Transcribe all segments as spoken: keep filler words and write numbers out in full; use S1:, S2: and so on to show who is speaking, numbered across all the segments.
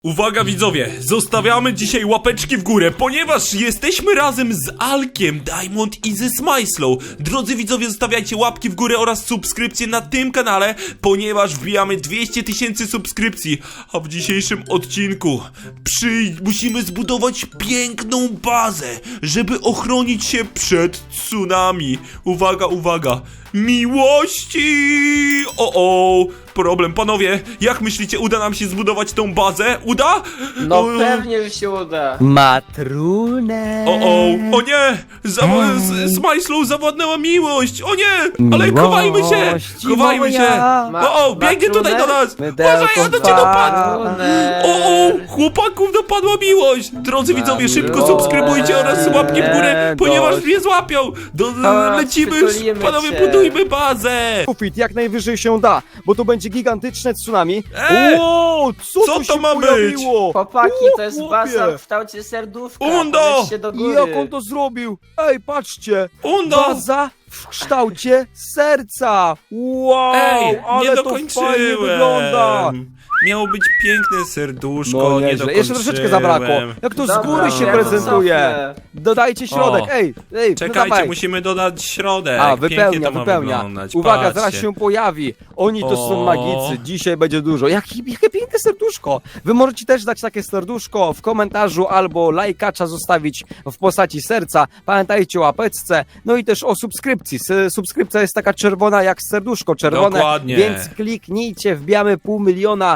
S1: Uwaga widzowie, zostawiamy dzisiaj łapeczki w górę, ponieważ jesteśmy razem z Alkiem, Diamond i ze Smajslą. Drodzy widzowie, zostawiajcie łapki w górę oraz subskrypcje na tym kanale, ponieważ wbijamy dwieście tysięcy subskrypcji. A w dzisiejszym odcinku przy... musimy zbudować piękną bazę, żeby ochronić się przed tsunami. Uwaga, uwaga, miłości! O, o, problem, panowie, jak myślicie, uda nam się zbudować tą bazę? Uda?
S2: No
S1: O,
S2: pewnie, że się uda.
S3: Matrunek.
S1: O, o, o nie! Zawo- z, z Majslą zawładnęła miłość! O nie! Ale chowajmy się!
S3: Miłości
S1: Chowajmy się!
S3: moja.
S2: Ma-
S1: O, o, biegnie tutaj do nas!
S3: Mydełko
S1: Uważaj, ona cię
S3: dwa.
S1: dopadła! O, o, chłopaków dopadła miłość! Drodzy widzowie, szybko
S2: miłość.
S1: subskrybujcie oraz łapki w górę,
S3: Nie,
S1: ponieważ
S3: dość.
S1: mnie złapią! Do,
S2: A,
S1: lecimy,
S2: przytulimy
S1: panowie,
S2: cię.
S1: budujmy bazę!
S3: Kufit, jak najwyżej się da, bo to będzie gigantyczne tsunami.
S1: E!
S3: Ło, co,
S1: Co
S3: tu
S1: to
S3: się
S1: ma być?
S3: pojawiło?
S2: Chłopaki,
S3: O,
S2: to jest
S3: chłopie.
S2: baza w kształcie serduszka.
S1: Undo!
S2: Podnieście do góry.
S3: Jak on to zrobił? Ej, patrzcie!
S1: Undo!
S3: Baza w kształcie serca! Wow,
S1: Ej,
S3: ale
S1: nie
S3: to
S1: dokończyłem!
S3: fajnie wygląda!
S1: Miało być piękne serduszko,
S3: No
S1: nie
S3: nieźle,
S1: dokończyłem.
S3: jeszcze troszeczkę zabrakło. Jak to z
S2: Dobra,
S3: góry się
S2: ja to
S3: prezentuje.
S2: cofnę.
S3: Dodajcie środek,
S1: O.
S3: ej, ej, no
S1: Czekajcie,
S3: dawaj.
S1: musimy dodać środek.
S3: A,
S1: Pięknie
S3: wypełnia,
S1: to ma
S3: wypełnia.
S1: wyglądać.
S3: Uwaga,
S1: Patrzcie.
S3: zaraz się pojawi. Oni to są
S1: O.
S3: magicy. Dzisiaj będzie dużo. Jakie, jakie piękne serduszko. Wy możecie też dać takie serduszko w komentarzu albo lajkacza zostawić w postaci serca. Pamiętajcie o łapeczce. No i też o subskrypcji. S- Subskrypcja jest taka czerwona jak serduszko czerwone.
S1: Dokładnie.
S3: Więc kliknijcie, wbijamy pół miliona.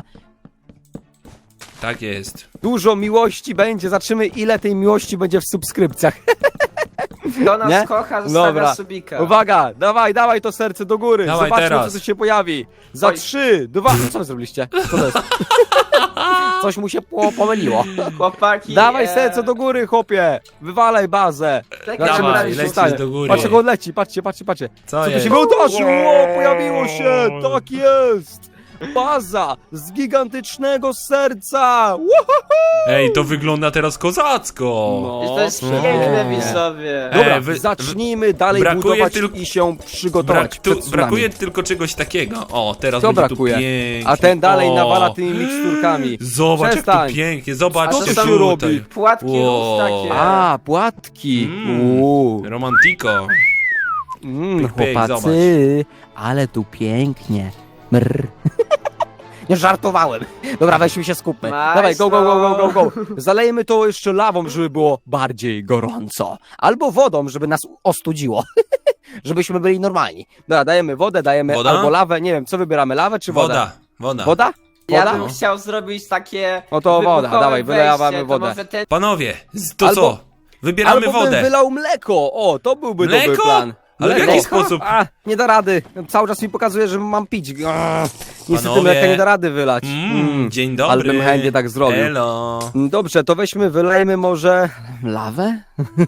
S1: Tak jest.
S3: Dużo miłości będzie. Zobaczymy, ile tej miłości będzie w subskrypcjach.
S2: Kto nas
S3: Nie?
S2: kocha, zostawia
S3: Dobra.
S2: subika.
S3: Uwaga, dawaj, dawaj to serce do góry.
S1: Dawaj
S3: Zobaczmy,
S1: teraz.
S3: co tu się pojawi. Za
S2: Oj.
S3: trzy, dwa. Co wy zrobiliście? Co to jest? Coś mu się po pomyliło.
S2: Chłopaki,
S3: Dawaj
S2: e,
S3: serce do góry, chłopie. Wywalaj bazę.
S2: tak
S3: Zobaczymy,
S1: Dawaj,
S3: co się
S1: lecisz
S3: stanie.
S1: do góry.
S3: Patrz, jak on leci, patrzcie, patrzcie, patrzcie.
S1: Co
S3: Co tu
S1: jest?
S3: się wydarzyło? O, pojawiło się, tak jest. Baza z gigantycznego serca. Woohoo!
S1: Ej, to wygląda teraz kozacko.
S2: To jest
S3: No,
S2: piękne,
S3: przepięknie.
S2: widzowie.
S3: Dobra,
S1: E, wy-
S3: zacznijmy dalej
S1: brakuje
S3: budować
S1: tylko-
S3: i się przygotować
S1: Brak,
S3: przed
S1: tu,
S3: tsunami.
S1: brakuje tylko czegoś takiego. O, teraz
S3: Co
S1: będzie
S3: brakuje?
S1: tu pięknie.
S3: A ten dalej
S1: o,
S3: nawala tymi miksturkami.
S1: Zobacz,
S3: Przestań.
S1: jak to pięknie. Zobaczcie
S3: Co tu się
S1: tutaj.
S3: robi?
S2: Płatki
S1: Wow.
S2: rób takie.
S3: A, płatki.
S1: Mm.
S3: Uuu.
S1: Romantiko.
S3: Mm,
S1: Pyk, pyk,
S3: chłopacy, ale tu pięknie. Mrr. Nie żartowałem. Dobra, weźmy się skupmy.
S2: Majslo.
S3: Dawaj, go, go, go, go, go, go. Zalejmy to jeszcze lawą, żeby było bardziej gorąco. Albo wodą, żeby nas ostudziło. Żebyśmy byli normalni. Dobra, dajemy wodę, dajemy
S1: Woda?
S3: albo lawę. Nie wiem, co wybieramy, lawę czy wodę?
S1: Woda, woda.
S3: Woda?
S2: Ja
S3: Woda?
S2: bym
S1: No.
S2: chciał zrobić takie
S3: No to woda,
S2: wybuchowe
S3: dawaj, wylewamy
S2: wejście,
S3: wodę.
S2: To może ten...
S1: Panowie, z- to
S3: Albo-
S1: co? Wybieramy
S3: Albo
S1: wodę.
S3: bym wylał mleko. O, to byłby dobry
S1: Mleko?
S3: plan.
S1: Ale w
S3: Mleko.
S1: jaki sposób?
S3: A, nie da rady. Cały czas mi pokazuje, że mam pić. Grr. Niestety
S1: Panowie.
S3: mleka nie da rady wylać.
S1: Mm,
S3: Mm.
S1: dzień dobry.
S3: Ale bym chętnie tak zrobił.
S1: Elo.
S3: Dobrze, to weźmy, wylejmy może lawę?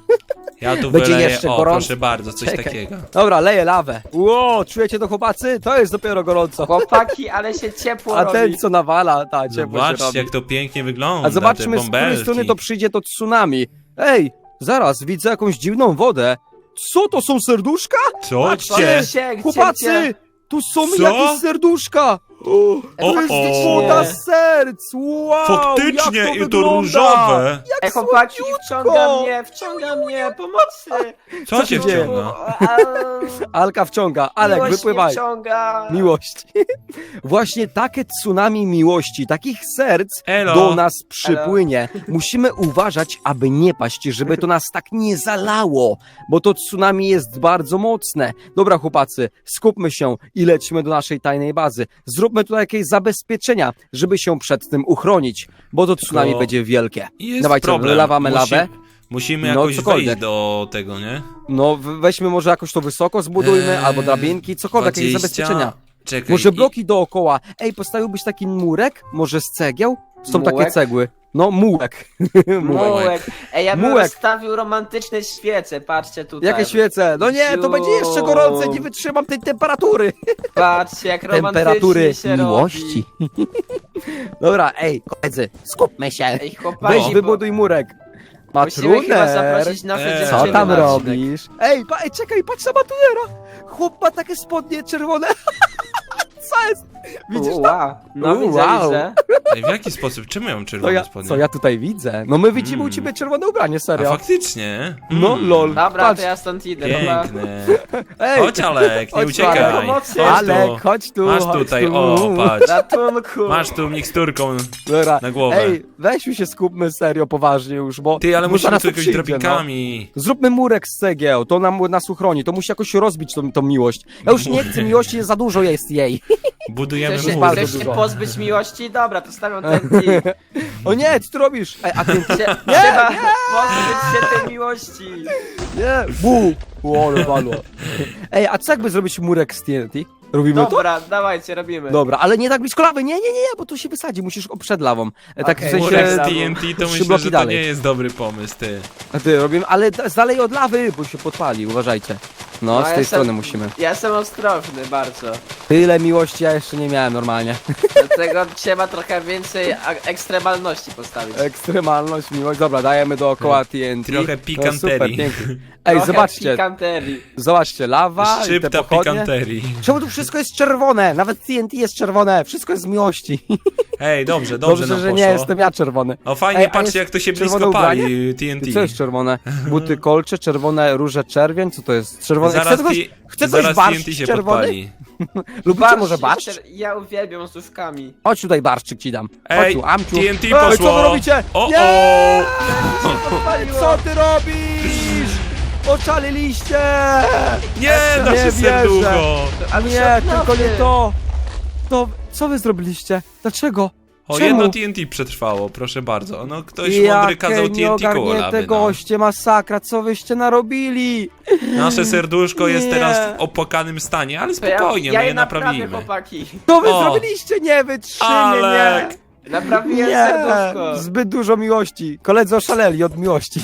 S1: Ja tu
S3: Będzie
S1: wyleję,
S3: jeszcze
S1: o
S3: gorąco.
S1: proszę bardzo, coś
S3: Czekaj.
S1: takiego.
S3: Dobra, leję lawę. Ło, czujecie to, chłopacy? To jest dopiero gorąco.
S2: Chłopaki, ale się ciepło
S3: A
S2: robi.
S3: ten, co nawala, ta ciepło się
S1: Zobaczcie,
S3: robi.
S1: jak to pięknie wygląda.
S3: A zobaczmy,
S1: te
S3: z której
S1: bąbelki.
S3: strony to przyjdzie to tsunami. Ej, zaraz, widzę jakąś dziwną wodę. Co, to są serduszka?
S1: Co?
S3: Patrzcie,
S2: Gdzie się, gdzie
S3: Chłopacy,
S2: cię?
S3: tu są
S1: Co?
S3: jakieś serduszka. O, to jest
S1: o.
S3: woda serc. Wow,
S1: Faktycznie,
S3: jak to
S1: i to
S3: wygląda.
S1: różowe.
S2: Ej, chłopaki, wciąga mnie, wciąga mnie, pomocy!
S1: Co cię
S3: się dzieje?
S1: wciąga?
S3: Alka wciąga, Alek,
S2: Miłość
S3: wypływaj.
S2: mnie wciąga.
S3: Miłość. Właśnie takie tsunami miłości, takich serc
S1: Elo.
S3: do nas przypłynie. Musimy uważać, aby nie paść, żeby to nas tak nie zalało, bo to tsunami jest bardzo mocne. Dobra, chłopacy, skupmy się i lećmy do naszej tajnej bazy. Zróbmy tutaj jakieś zabezpieczenia, żeby się przed tym uchronić, bo to tsunami
S1: Tylko
S3: będzie wielkie.
S1: Jest
S3: Dawajcie,
S1: problem.
S3: wylewamy
S1: Musi,
S3: lawę.
S1: Musimy
S3: No,
S1: jakoś
S3: cokolwiek.
S1: wejść do tego, nie?
S3: No, w- weźmy może jakoś to wysoko zbudujmy,
S1: Eee,
S3: albo drabinki, cokolwiek, jakieś
S1: dwadzieścia.
S3: zabezpieczenia.
S1: Czekaj.
S3: Może
S1: i-
S3: bloki dookoła. Ej, postawiłbyś taki murek? Może z cegieł? Są takie
S2: Mułek?
S3: cegły. No, mułek. mułek.
S2: Mułek. Ej, ja bym
S3: Mułek.
S2: rozstawił romantyczne świece, patrzcie tutaj.
S3: Jakie świece? No nie, to będzie jeszcze gorące, nie wytrzymam tej temperatury.
S2: Patrzcie, jak
S3: Temperatury
S2: romantycznie się
S3: miłości.
S2: robi.
S3: Dobra, ej, koledzy, skupmy się.
S2: Ej, chłopaki,
S3: Weź,
S2: bo-
S3: wybuduj murek.
S2: Musimy chyba
S3: Matruner,
S2: zaprosić nasze
S1: Eee.
S2: dziewczyny
S3: co tam
S2: na odcinek.
S3: robisz? Ej, pa, ej, czekaj, patrz na Matunera. Chłop ma takie spodnie czerwone. Co jest? Widzisz to?
S2: Wow. No
S3: U,
S2: widzę,
S3: wow.
S2: widzę.
S1: Ej, w jaki sposób? Czemu ja mam
S3: Co
S1: czerwone
S3: ja,
S1: spodnie?
S3: co ja tutaj widzę? No my widzimy
S1: Mm.
S3: u ciebie czerwone ubranie,
S1: A
S3: serio.
S1: faktycznie?
S3: No
S1: Mm.
S3: lol.
S2: Dobra,
S3: Patrz.
S2: to ja stąd idę, dobra.
S1: Piękne.
S3: Ej,
S1: Chodź Alek, nie
S3: Chodź,
S1: uciekaj.
S2: Alek, pomocy.
S1: Chodź
S3: Alek,
S1: tu.
S3: chodź tu,
S1: Masz
S3: chodź
S1: tutaj,
S3: tu.
S1: o, patrz.
S2: Ratunku.
S1: Masz tu miksturką
S3: Dobra.
S1: na głowę.
S3: Ej, weźmy się skupmy serio, poważnie już, bo...
S1: Ty, ale
S3: bo
S1: musimy
S3: zaraz
S1: tu
S3: to
S1: jakoś
S3: przyjdzie,
S1: drabikami.
S3: No. Zróbmy murek z cegieł, to nam, nas uchroni, to musi jakoś rozbić tą, tą miłość. Ja już nie chcę miłości, za dużo jest jej.
S1: Budujemy
S2: Chcesz się,
S1: mur.
S3: bardzo
S2: chcesz się
S3: dużo.
S2: pozbyć miłości? Dobra, to stawiam ten kij.
S3: O nie, co ty robisz? Ej, a ty...
S2: Cie- Trzeba pozbyć się tej miłości.
S3: Nie, bu! O, ale walło. Ej, a co jakby zrobić murek z T N T? Robimy to?
S2: Dobra, dawajcie, robimy.
S3: Dobra, ale nie tak blisko lawy, nie, nie, nie, nie, bo tu się wysadzi, musisz o przed lawą. E, Tak
S2: Okej,
S3: w sensie...
S1: Murek z
S2: Murek
S1: T N T to
S3: trzy
S1: myślę,
S3: bloki
S1: że to
S3: dalej.
S1: nie jest dobry pomysł, ty.
S3: A ty robimy, ale d- z dalej od lawy, bo się podpali, uważajcie. No,
S2: No,
S3: z
S2: ja
S3: tej
S2: jestem-
S3: strony musimy.
S2: Ja jestem ostrożny bardzo.
S3: Tyle miłości ja jeszcze nie miałem normalnie.
S2: Dlatego trzeba trochę więcej a- ekstremalności postawić.
S3: Ekstremalność, miłość. Dobra, dajemy dookoła T N T.
S1: Trochę
S3: No, super,
S1: pikanterii.
S3: pięknie. Ej,
S2: Trochę
S3: zobaczcie,
S2: pikanterii.
S3: zobaczcie, lawa i te
S1: Szczypta
S3: pochodnie.
S1: pikanterii.
S3: Czemu tu wszystko jest czerwone? Nawet T N T jest czerwone, wszystko jest z miłości.
S1: Ej, dobrze, dobrze
S3: Dobrze,
S1: nam
S3: że
S1: poszło.
S3: nie jestem ja czerwony.
S1: O fajnie,
S3: Ej, a
S1: patrzcie
S3: jest
S1: jak to się
S3: czerwone
S1: blisko
S3: ubranie?
S1: pali, T N
S3: I
S1: T.
S3: co jest czerwone? Buty kolcze, czerwone róże czerwień, co to jest? Czerwone...
S1: Zaraz,
S3: Chce ktoś,
S1: T-
S3: chce ktoś
S1: zaraz T N T
S3: barszcz
S1: się
S3: czerwony?
S1: podpali.
S3: Lubicie może barszcz?
S2: czer- Ja uwielbiam z duszkami.
S3: Chodź tutaj barszczyk ci dam. Chodź
S1: Ej,
S3: tu, Amciu.
S1: T N T
S3: Ej,
S1: poszło.
S3: co wy robicie?
S1: O,
S3: Nie!
S1: o!
S3: Ej, co ty robisz? Oczaliliście!
S1: Nie, nasze
S3: wierzę.
S1: serducho.
S2: Ale
S3: Nie,
S2: się
S3: tylko
S2: odnowię.
S3: nie to. To, co wy zrobiliście? Dlaczego?
S1: O,
S3: Czemu?
S1: jedno T N T przetrwało, proszę bardzo. No, ktoś mądry
S3: Jakie
S1: kazał T N T koło
S3: nieogarnięte
S1: lawy, no.
S3: goście, masakra, co wyście narobili?
S1: Nasze serduszko jest
S3: Nie.
S1: teraz w opłakanym stanie, ale
S2: To ja,
S1: spokojnie,
S2: ja
S1: my
S2: je
S1: je
S2: naprawię,
S1: naprawimy.
S2: chłopaki.
S3: Co wy
S1: O.
S3: zrobiliście? Nie wytrzymię,
S1: Alek.
S3: nie!
S2: Naprawiłem
S3: Nie,
S2: serduszko.
S3: zbyt dużo miłości. Koledzy oszaleli od miłości.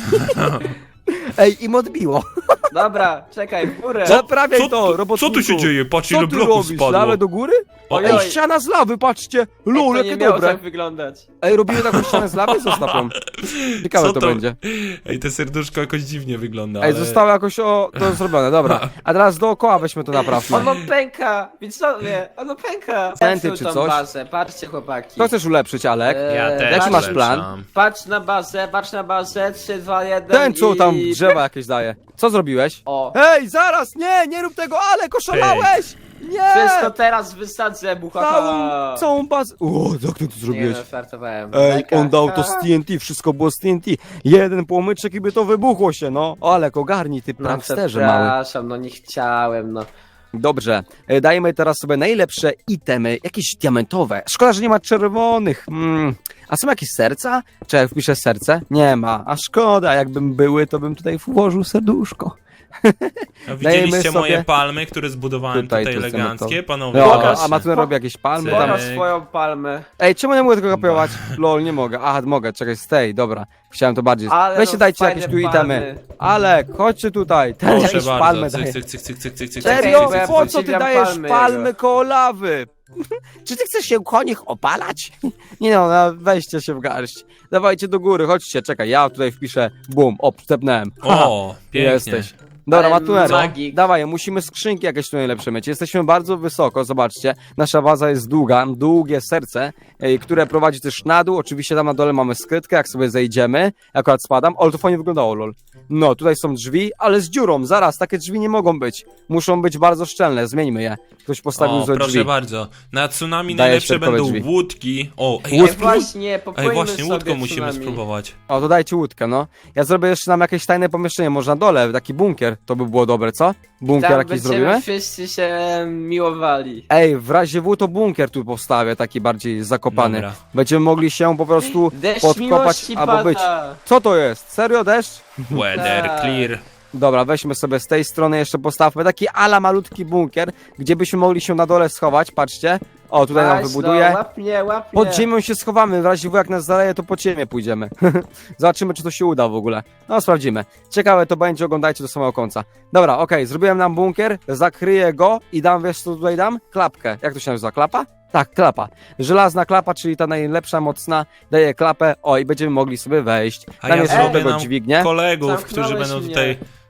S3: Ej, im odbiło.
S2: Dobra, czekaj, w górę.
S3: Naprawiaj
S1: Co,
S3: to,
S1: co
S3: robotniku.
S1: tu się dzieje? Patrz
S3: Co
S1: ile
S3: ty
S1: bloków
S3: robisz?
S1: spadło.
S3: Lawę do góry?
S1: O,
S2: Oj,
S3: Ej,
S2: oj.
S3: ściana z lawy, patrzcie.
S2: Ej,
S3: Lul,
S2: to nie
S3: jakie
S2: miało
S3: dobre.
S2: tak wyglądać.
S3: Ej, robimy taką ścianę z lawy? Zostaw ją. Ciekawe
S1: Co
S3: to,
S1: to?
S3: będzie.
S1: Ej, te serduszko jakoś dziwnie wygląda,
S3: Ej,
S1: ale...
S3: zostało jakoś o, to zrobione, dobra. A teraz dookoła weźmy to naprawmy.
S2: Ono pęka, widzowie, ono pęka.
S3: Centy
S2: Zepsuł
S3: czy
S2: tą
S3: coś?
S2: bazę, patrzcie chłopaki.
S3: Co chcesz ulepszyć, Alek?
S2: Eee,
S1: Ja też
S3: Jaki masz
S1: ulepszam.
S3: plan?
S2: Patrz na bazę, patrz na bazę, trzy, dwa, jeden
S3: Ten, co
S2: i...
S3: tam drzewa jakieś daje. Co zrobiłeś?
S2: O,
S3: Hej, zaraz, nie, nie rób tego, Alek, oszalałeś!
S2: wszystko
S3: Nie!
S2: teraz wysadzę, buchacha.
S3: Całą, całą bazę. O, jak ty to
S2: Nie
S3: zrobiłeś?
S2: no, żartowałem.
S3: Ej,
S2: Beka.
S3: on dał to z T N T, wszystko było z T N T. Jeden płomyczek i by to wybuchło się, no. Alek, ogarnij, ty
S2: No
S3: pranksterze mały.
S2: przepraszam, no nie chciałem, no.
S3: Dobrze, e, dajmy teraz sobie najlepsze itemy, jakieś diamentowe. Szkoda, że nie ma czerwonych. Mm. A są jakieś serca? Czy jak wpiszę serce? Nie ma. A szkoda, jakbym były, to bym tutaj włożył serduszko.
S1: A widzieliście
S3: Dajmy sobie-
S1: moje palmy, które zbudowałem
S3: Tutaj
S1: tutaj,
S3: tu chcemy
S1: eleganckie,
S3: to.
S1: panowie?
S3: No,
S2: Pokaż.
S3: a Matuna robi jakieś palmy
S1: Cyk.
S3: tam.
S2: Pokaż swoją palmę.
S3: Ej, czemu nie mogę tego kopiować? Lol, nie mogę. Aha, mogę, czekaj, stay, dobra. Chciałem to bardziej.
S2: Ale
S3: Weźcie,
S2: no,
S3: dajcie
S2: fajne
S3: jakieś tu itemy.
S2: palmy.
S3: Alek, chodźcie tutaj. Ten
S1: Proszę
S3: jakieś palmy
S1: bardzo,
S3: daje.
S1: cyk, cyk, cyk, cyk, cyk, cyk, cyk,
S3: Serio?
S1: cyk,
S2: bo ja
S1: cyk,
S3: Po
S1: cyk.
S3: co ty
S2: podziwiam
S3: dajesz
S2: palmy
S3: palmy
S2: jego.
S3: koło lawy? Czy ty chcesz się koło nich opalać? Nie no, no, weźcie się w garść. Dawajcie do góry, chodźcie, czekaj, ja tutaj wpiszę, bum, o, wstepnąłem. Haha,
S1: O, pięknie.
S3: jesteś. Dobra,
S2: Ale
S3: Matuner,
S2: magik.
S3: dawaj, musimy skrzynki jakieś tu najlepsze mieć. Jesteśmy bardzo wysoko, zobaczcie. Nasza baza jest długa, długie serce, ej, które prowadzi też na dół. Oczywiście tam na dole mamy skrytkę, jak sobie zejdziemy. Akurat spadam, ale to fajnie wyglądało, lol. No, tutaj są drzwi, ale z dziurą, zaraz, takie drzwi nie mogą być. Muszą być bardzo szczelne, zmieńmy je. Ktoś postawił
S1: O,
S3: złe
S1: proszę
S3: drzwi.
S1: bardzo. Na tsunami
S3: Daję
S1: najlepsze
S3: środkowe
S1: będą
S3: drzwi.
S1: łódki. O, ej,
S2: Ej,
S1: ale spróbuj...
S2: właśnie, popłyńmy
S1: Ej, właśnie,
S2: sobie
S1: łódką musimy
S2: tsunami.
S1: spróbować.
S3: O, to dajcie łódkę, no. Ja zrobię jeszcze nam jakieś tajne pomieszczenie, może na dole, taki bunkier, to by było dobre, co? Bunkier
S2: Tam
S3: jakiś
S2: będziemy
S3: zrobimy?
S2: wszyscy się miłowali.
S3: Ej, w razie W to bunkier tu postawię, taki bardziej zakopany.
S1: Dobra.
S3: Będziemy mogli się po prostu
S2: Deszcz
S3: podkopać
S2: miłości
S3: albo
S2: pada.
S3: być. Co to jest? Serio deszcz?
S1: Weather
S2: Tak.
S1: clear.
S3: Dobra, weźmy sobie z tej strony jeszcze postawmy taki ala malutki bunkier, gdzie byśmy mogli się na dole schować, patrzcie. O, tutaj nam
S2: Weź,
S3: wybuduję.
S2: No, łap mnie, łap
S3: Pod
S2: mnie.
S3: ziemią się schowamy, w razie W jak nas zaleje, to pod ziemię pójdziemy. Zobaczymy, czy to się uda w ogóle. No, sprawdzimy. Ciekawe to będzie, oglądajcie do samego końca. Dobra, okej, zrobiłem nam bunkier, zakryję go i dam, wiesz co tutaj dam? Klapkę. Jak to się nazywa? Klapa? Tak, klapa. Żelazna klapa, czyli ta najlepsza, mocna, daje klapę, o i będziemy mogli sobie wejść.
S1: A
S3: Tam
S1: ja
S3: jest
S1: zrobię
S3: do tego
S1: nam
S3: dźwignię.
S1: kolegów,
S2: Zamknąłeś
S1: którzy będą
S2: mnie.
S1: tutaj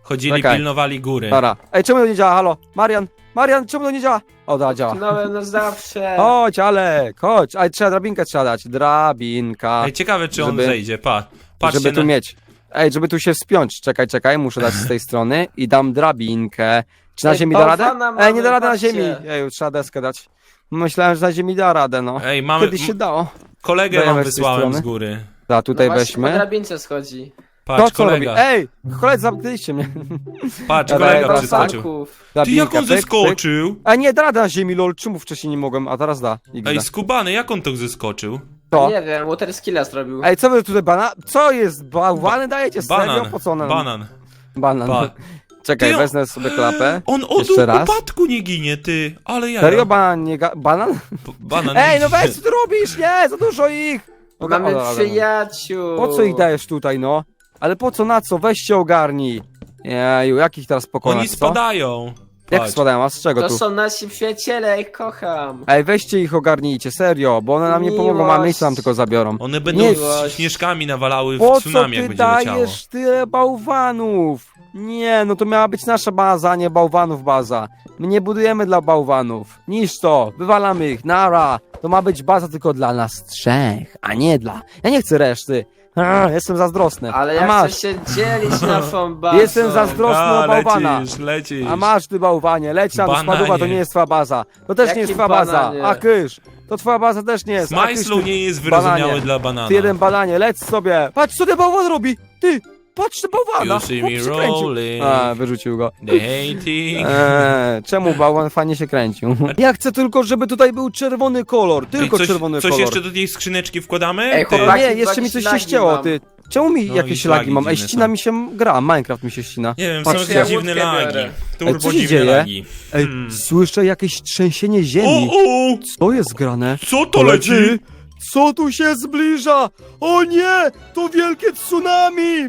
S1: chodzili,
S3: Czekaj.
S1: pilnowali góry.
S3: Dobra. Ej, czemu to nie działa? Halo? Marian? Marian, czemu to nie działa? O, da, działa.
S2: No, no zawsze.
S3: Chodź, Alek, chodź. Ej, trzeba drabinkę trzeba dać. Drabinka.
S1: Ej, ciekawe, czy on
S3: Żeby-
S1: zejdzie, pa. Patrzcie
S3: Żeby tu
S1: na...
S3: mieć. Ej, żeby tu się wspiąć. Czekaj, czekaj, muszę dać z tej strony i dam drabinkę. Czy na
S2: Ej,
S3: ziemi da radę?
S2: bałwana mamy,
S3: Ej, nie da rady na
S2: patrzcie.
S3: ziemi. Ej, trzeba deskę dać. Myślałem, że na ziemi da radę, no.
S1: Ej, mamy...
S3: Kiedyś się dało.
S1: Kolegę
S3: Dajemy
S1: wam
S3: z tej
S1: wysłałem
S3: strony.
S1: z góry.
S3: Da, tutaj
S2: no właśnie, po
S3: weźmy.
S2: drabince schodzi.
S1: Patrz,
S3: To co robi?
S1: kolega.
S3: Ej, koledzy, zamknęliście mnie.
S1: Patrz,
S3: Dobra,
S1: kolega
S3: dobra,
S1: przeskoczył.
S2: Banków.
S1: Ty,
S3: Drabinka,
S1: jak on
S3: pyk, pyk.
S1: zeskoczył?
S3: A nie, da radę na ziemi, lol. Czemu wcześniej nie mogłem, a teraz da. X D.
S1: Ej, skubany, jak on to zeskoczył?
S3: Co?
S2: Nie wiem, water skilla zrobił.
S3: Ej, co wy tutaj bana? Co jest? Bałwany dajecie? Serio?
S1: Banan,
S3: Po co one?
S1: banan.
S3: Banan.
S1: Pa.
S3: Czekaj,
S1: Ty, on-
S3: wezmę sobie klapę.
S1: On od
S3: Jeszcze raz.
S1: upadku nie ginie, ty, ale ja.
S3: Serio, banan nie ga... Banan?
S1: Banan
S3: Ej,
S1: nie
S3: no
S1: ginie.
S3: weź, co ty robisz? Nie, za dużo ich! O,
S2: Mamy
S3: o, dobra, dobra.
S2: przyjaciół.
S3: Po co ich dajesz tutaj, no? Ale po co, na co? Weź się ogarnij. Jeju, jak ich teraz pokonać,
S1: Oni
S3: co?
S1: spadają.
S3: Jak
S1: Patrz.
S3: spadają, a z czego
S2: To
S3: tu?
S2: są nasi przyjaciele, ich kocham.
S3: Ej, weźcie ich ogarnijcie, serio, bo one nam nie pomogą, a
S2: Miłość.
S3: miejsce nam tylko zabiorą.
S1: One będą
S3: Nie.
S1: śnieżkami nawalały w
S3: Po co
S1: tsunami, jak
S3: ty
S1: będzie leciało.
S3: dajesz tyle bałwanów? Nie, no to miała być nasza baza, a nie bałwanów baza. My nie budujemy dla bałwanów. Niż to, wywalamy ich, nara. To ma być baza tylko dla nas trzech, a nie dla... Ja nie chcę reszty. A, jestem zazdrosny.
S2: Ale
S3: a
S2: ja
S3: masz,
S2: chcę się dzielić naszą bazą.
S3: Jestem zazdrosny
S1: A,
S3: o bałwana.
S1: lecisz, lecisz.
S3: A masz ty bałwanie, leć tam do
S1: Bananie.
S3: spadła, to nie jest twoja baza. To też
S2: Jaki
S3: nie jest twoja baza.
S2: bananie?
S3: A kysz, to twoja baza też nie jest. A kysz,
S1: Smajslu
S3: ty-
S1: nie jest wyrozumiały
S3: bananie.
S1: dla banana.
S3: Ty jeden bananie, leć sobie. Patrz co ten bałwan robi. Ty, patrz ten bałwana.
S1: You see
S3: Chłop
S1: me
S3: się kręcił.
S1: rolling.
S3: A, wyrzucił go.
S1: The hating.
S3: Eee, czemu bałwan fajnie się kręcił? Ja chcę tylko, żeby tutaj był czerwony kolor. Tylko
S1: Ej, coś,
S3: czerwony
S1: coś
S3: kolor.
S1: jeszcze do tej skrzyneczki wkładamy?
S2: Ej,
S1: Ty.
S3: O
S2: chłopaki,
S3: nie, jeszcze mi
S2: jakieś
S3: coś się
S2: lagi
S3: ścięło,
S2: mam.
S3: ty. Czemu mi
S1: No
S3: jakieś
S1: i
S3: lagi
S1: lagi
S3: mam? Ej,
S1: dziwne
S3: ścina
S1: są.
S3: mi się gra, Minecraft mi się ścina.
S1: Nie wiem,
S3: Patrzcie,
S1: są
S3: ja
S1: jakieś dziwne
S2: łódkę
S1: lagi.
S2: biorę.
S1: Turbo
S3: co się
S1: dziwne
S3: dzieje?
S1: lagi.
S3: Ej,
S1: Hmm.
S3: słyszę jakieś trzęsienie
S1: O,
S3: ziemi.
S1: o!
S3: Co jest grane?
S1: Co to
S3: Koledzy,
S1: leci?
S3: co tu się zbliża? O nie! To wielkie tsunami!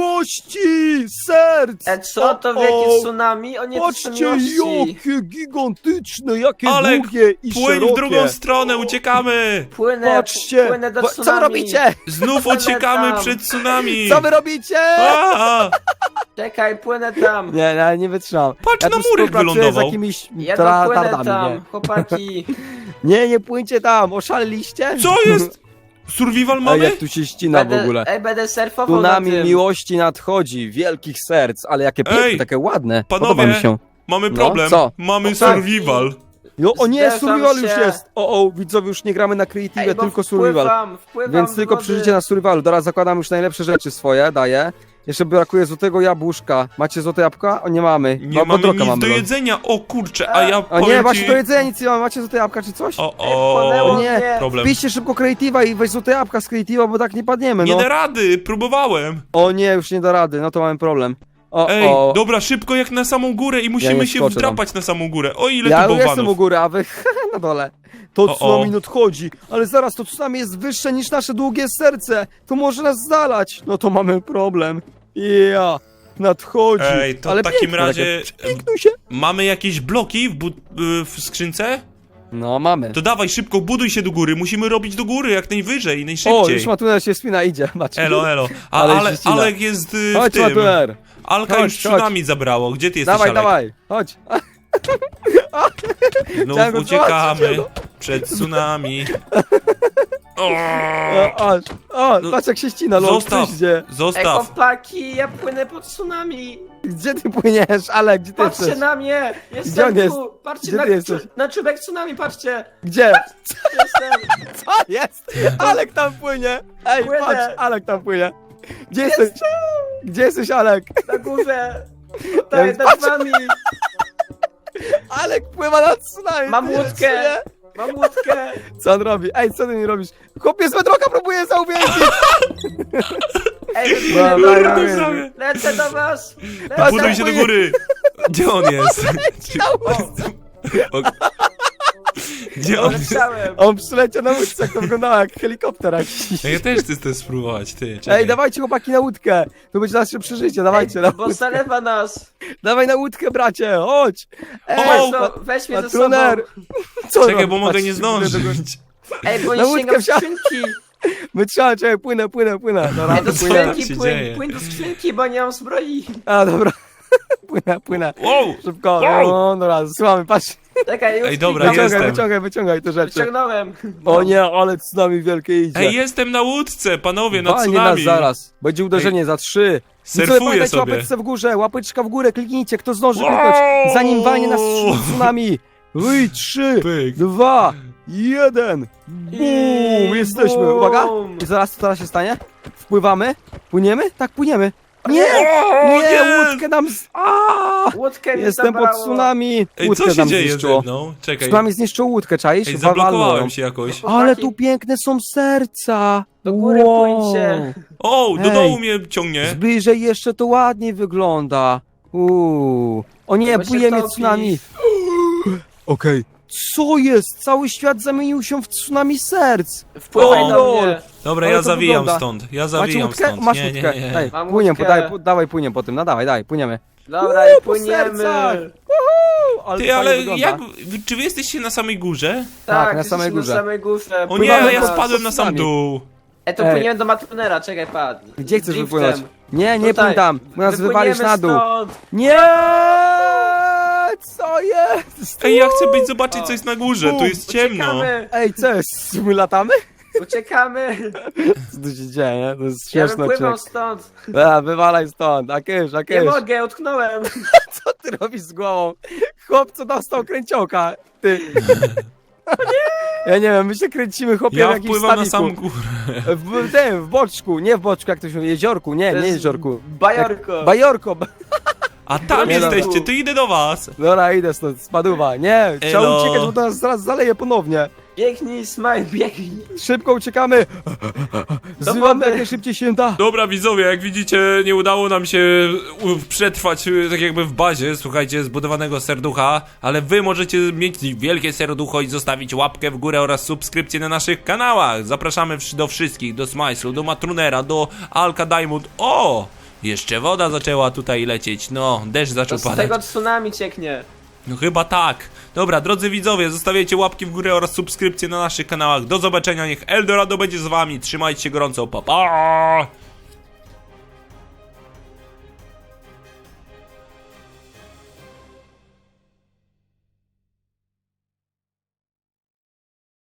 S3: Miłości! Serc!
S2: E, co to
S3: O,
S2: wielkie
S3: o,
S2: tsunami? O nie, to są
S3: Patrzcie,
S2: miłości.
S3: jakie gigantyczne, jakie
S1: Alek,
S3: długie i
S1: Płyń
S3: szerokie.
S1: w drugą stronę, uciekamy!
S2: Płynę,
S3: Patrzcie!
S2: płynę do
S3: Bo-
S2: tsunami.
S3: Co wy robicie?
S1: Znów
S2: Płynę
S1: uciekamy
S2: tam.
S1: przed tsunami!
S3: Co wy robicie?
S1: A,
S2: Czekaj, płynę tam.
S3: Nie, nie, nie wytrzymam.
S1: Patrz,
S3: Ja
S1: na
S3: tu
S1: murek
S3: współpracuję
S1: wylądował.
S3: z jakimiś
S2: Ja
S3: tra-
S2: dopłynę
S3: tardami,
S2: tam,
S3: nie.
S2: chłopaki.
S3: Nie, nie płyńcie tam, oszaleliście?
S1: Co jest? Survival
S3: Ej,
S1: mamy?
S3: jak tu się ścina w
S2: Będę,
S3: ogóle.
S2: ej, będę surfował na
S3: Tsunami
S2: tym.
S3: miłości nadchodzi, wielkich serc, ale jakie piękne,
S1: Ej,
S3: takie ładne.
S1: panowie,
S3: Podoba mi się.
S1: Mamy
S3: No,
S1: problem.
S3: co?
S1: Mamy
S2: Co?
S1: survival.
S3: No, o nie,
S2: Zderzam
S3: survival już
S2: się.
S3: jest. O, o, widzowie, już nie gramy na creative,
S2: Ej, bo
S3: tylko survival.
S2: Wpływam, wpływam
S3: Więc
S2: w
S3: tylko
S2: wody.
S3: przeżycie na survivalu. Teraz zakładam już najlepsze rzeczy swoje, daję. Jeszcze brakuje złotego jabłuszka. Macie złote jabłka? O, nie mamy.
S1: Nie
S3: Bo-
S1: mamy
S3: bodroka
S1: nic
S3: mamy,
S1: do
S3: lol.
S1: jedzenia. O kurczę, a ja
S3: O
S1: powiem
S3: nie,
S1: ci...
S3: macie do jedzenia, nic nie mamy. Macie złote jabłka czy coś?
S1: O,
S2: Ej,
S1: o,
S2: wpłynęło
S3: nie,
S2: mnie.
S1: problem.
S3: Wpiszcie szybko creative'a i weź złote jabłka z creative'a, bo tak nie padniemy,
S1: Nie
S3: no.
S1: da rady, próbowałem.
S3: O nie, już nie da rady, no to mamy problem. O,
S1: Ej,
S3: o.
S1: dobra, szybko jak na samą górę i musimy
S3: nie
S1: się
S3: skoczę
S1: wdrapać na samą górę. O, ile
S3: Ja
S1: tu
S3: już jestem u
S1: bałwanów.
S3: góry, a wy na dole. To
S1: O,
S3: tsunami
S1: o.
S3: nadchodzi, ale zaraz to tsunami jest wyższe niż nasze długie serce. To może nas zalać. No to mamy problem. Ja, nadchodzi.
S1: Ej, to
S3: ale
S1: w takim
S3: piękne,
S1: razie-
S3: takie- Pięknuj się.
S1: Mamy jakieś bloki w, bu- y, w skrzynce?
S3: No mamy.
S1: To dawaj, szybko, buduj się do góry. Musimy robić do góry jak najwyżej,
S3: O,
S1: najszybciej.
S3: już Matuner się spina, idzie. Patrz.
S1: Elo, elo. A
S3: Ale
S1: ale,
S3: się ścina.
S1: Alek jest y, w
S3: Chodź,
S1: tym.
S3: Matuner.
S1: Alka
S3: Chodź,
S1: już tsunami zabrało. Gdzie ty jesteś,
S3: Dawaj,
S1: Alek?
S3: dawaj. Chodź.
S1: Znów
S3: Chciałem go
S1: uciekamy
S3: zobaczyć,
S1: przed tsunami. O,
S3: O, o, o, patrz jak się ścina, lol.
S1: Zostaw.
S3: Gdzie?
S2: Ej,
S1: zostaw.
S2: chłopaki, ja płynę pod tsunami.
S3: Gdzie ty płyniesz, Alek? Gdzie ty
S2: Patrzcie
S3: jesteś?
S2: na mnie.
S3: Gdzie
S2: Jestem
S3: on jest?
S2: tu. Patrzcie
S3: Gdzie
S2: na,
S3: ty jesteś?
S2: na czubek tsunami, patrzcie.
S3: Gdzie?
S2: Jestem.
S3: Co jest? Alek tam płynie! Ej,
S2: Płynę.
S3: patrz, Alek tam płynie. Gdzie jesteś? Gdzie jesteś, Alek?
S2: Na górze. Tutaj,
S3: Ej,
S2: nad wami.
S3: Alek pływa nad tsunami.
S2: Mam
S3: ty
S2: łódkę.
S3: nie?
S2: Mam łódkę.
S3: Co on robi? Ej, co ty mi robisz? Chłopiec z bedroka próbuje zauwięzić!
S2: Ej,
S3: Dobra,
S2: wypłynę do
S3: dobra.
S2: was.
S1: Prawie.
S2: Lecę do was.
S3: Patrz,
S1: Buduj
S3: tam
S1: się do
S3: płynie.
S1: góry. Gdzie on jest? O, gdzie on jest?
S2: Leciałem.
S3: On przyleciał na łódce, jak to wyglądało jak helikopter jakiś.
S1: Ja też chcę spróbować, ty. Czekaj.
S3: Ej, dawajcie chłopaki na łódkę! To będzie nasze przeżycie, dawajcie na
S2: Bo
S3: łódkę.
S2: zalewa nas.
S3: Dawaj na łódkę, bracie, chodź! Ej,
S1: O,
S2: Weź, to, weź mnie ze sobą.
S3: Patruner! Co
S1: Czekaj,
S3: robi?
S1: bo mogę
S3: Patrz,
S1: nie zdążyć.
S2: Ej, bo
S3: Na
S2: nie
S3: łódkę
S2: sięgam
S3: wsiadł.
S2: skrzynki.
S3: Wytrzymaj, czekaj, płynę, płynę, płynę. Dobra,
S2: Ej, do
S3: płynę.
S1: Co
S2: skrzynki
S1: się
S2: płyń,
S1: dzieje?
S2: płyń do skrzynki, bo nie mam zbroi.
S3: A, dobra. Płynę, płynę.
S1: Wow!
S3: Szybko,
S1: Wow!
S3: no dobra, słuchamy, patrz.
S2: Czekaj, już
S1: Ej, dobra,
S2: klikam.
S3: Wyciągaj,
S1: jestem.
S3: wyciągaj, wyciągaj te rzeczy.
S2: Wyciągnąłem.
S3: O nie, ale tsunami wielkie idzie.
S1: Ej, jestem na łódce, panowie, na
S3: Walnie nas
S1: tsunami.
S3: zaraz. Będzie uderzenie za trzy.
S1: Surfuję
S3: pamiętajcie,
S1: sobie.
S3: łapeczce w górze, łapeczka w górę, kliknijcie, kto zdąży
S1: Wow!
S3: kliknąć, zanim walnie nas tsunami. Oj, trzy,
S1: Pyk.
S3: dwa, jeden. Bum, jesteśmy.
S2: bum.
S3: Uwaga. I zaraz, co teraz się stanie? Wpływamy? Płyniemy? Tak, płyniemy. Nie,
S1: O,
S3: nie,
S1: nie!
S3: łódkę nam z... Aaaa!
S2: Łódkę mi
S3: Jestem pod
S2: zabrało.
S3: tsunami.
S1: Ej,
S3: Łódkę
S1: co się
S3: nam
S1: dzieje ze
S3: zniszczyło.
S1: mną? Czekaj.
S3: Tsunami zniszczyło łódkę, czaisz?
S1: Ej,
S3: Walnął ją.
S1: zablokowałem się jakoś.
S3: Ale tu piękne są serca.
S2: Do góry płyńcie.
S1: O, do
S3: Ej.
S1: dołu mnie ciągnie.
S3: Zbliżej jeszcze to ładniej wygląda. Uuu. O nie,
S2: Bo się
S3: płynie
S2: topi.
S3: tsunami. Okej. Co jest? Cały świat zamienił się w tsunami serc.
S2: Wpływaj
S1: O,
S2: do mnie.
S1: Dobra,
S3: Ale
S1: ja
S3: to
S1: zawijam
S3: wygląda.
S1: stąd. Ja
S3: Macie
S1: zawijam
S3: łódkę?
S1: stąd.
S3: Masz
S1: Nie,
S3: łódkę.
S1: nie, nie.
S3: Ej,
S2: Mam
S3: płyniemy,
S2: łódkę.
S3: daj, dawaj, płyniemy po tym. No dawaj, daj, płyniemy.
S2: Dobra,
S3: Uuu,
S2: i
S3: po
S2: płyniemy.
S3: sercach. Ale
S1: Ty,
S3: fajnie
S1: ale
S3: wygląda.
S1: jak... Czy wy jesteście na samej górze?
S3: Tak,
S2: Tak,
S3: na samej
S2: jesteśmy
S3: górze.
S2: na samej górze.
S1: O nie,
S3: Pływamy
S1: ja
S3: pod
S1: spadłem na sam
S3: tsunami.
S1: dół.
S2: E, to
S3: Ej.
S2: płyniemy do Matrunera, czekaj, padł.
S3: Gdzie chcesz
S2: Driftem.
S3: wypłynąć? Nie, nie
S2: Tutaj.
S3: płyń tam, bo nas
S2: Wypłyniemy
S3: wywalisz na dół.
S2: stąd.
S3: Nie! Co jest?
S1: Ej, ja chcę być zobaczyć, co jest na górze. Tu jest ciemno.
S2: Uciekamy,
S3: Ej, co jest? My latamy?
S2: uciekamy.
S3: Co tu się dzieje, nie? To jest
S2: Ja
S3: śmieszny
S2: wypływam
S3: odcinek.
S2: stąd.
S3: A, wywalaj stąd, a kysz, a
S2: Nie
S3: kysz.
S2: mogę, utknąłem.
S3: Co ty robisz z głową? Chłop, co dostał kręciołka, ty. Ja nie wiem, my się kręcimy, chłopie, w
S1: Ja
S3: jakimś
S1: wpływam na
S3: staniku.
S1: sam górę.
S3: W tym, w boczku, nie w boczku, jak to się mówi, jeziorku, nie,
S2: To
S3: nie
S2: jest
S3: jeziorku.
S2: Bajorko.
S3: Bajorko. ba-
S1: A tam
S3: Nie, no.
S1: jesteście, to idę do was.
S3: Dobra, idę stąd, spaduwa. Nie, trzeba
S1: Elo.
S3: uciekać, bo to nas zaraz zaleje ponownie.
S2: Biegnij, Smile, biegnij.
S3: Szybko uciekamy. Zrywamy
S2: wody.
S3: jak najszybciej się da.
S1: Dobra, widzowie, jak widzicie, nie udało nam się u- przetrwać y, tak jakby w bazie, słuchajcie, zbudowanego serducha, ale wy możecie mieć wielkie serducho i zostawić łapkę w górę oraz subskrypcję na naszych kanałach. Zapraszamy wsz- do wszystkich, do Smajslu, do Matrunera, do Alka Diamond. O! Jeszcze woda zaczęła tutaj lecieć, no, deszcz
S2: To
S1: zaczął
S2: z
S1: padać.
S2: tego tsunami cieknie.
S1: No chyba tak. Dobra, drodzy widzowie, zostawiajcie łapki w górę oraz subskrypcje na naszych kanałach. Do zobaczenia, niech Eldorado będzie z wami. Trzymajcie się gorąco, pa pa!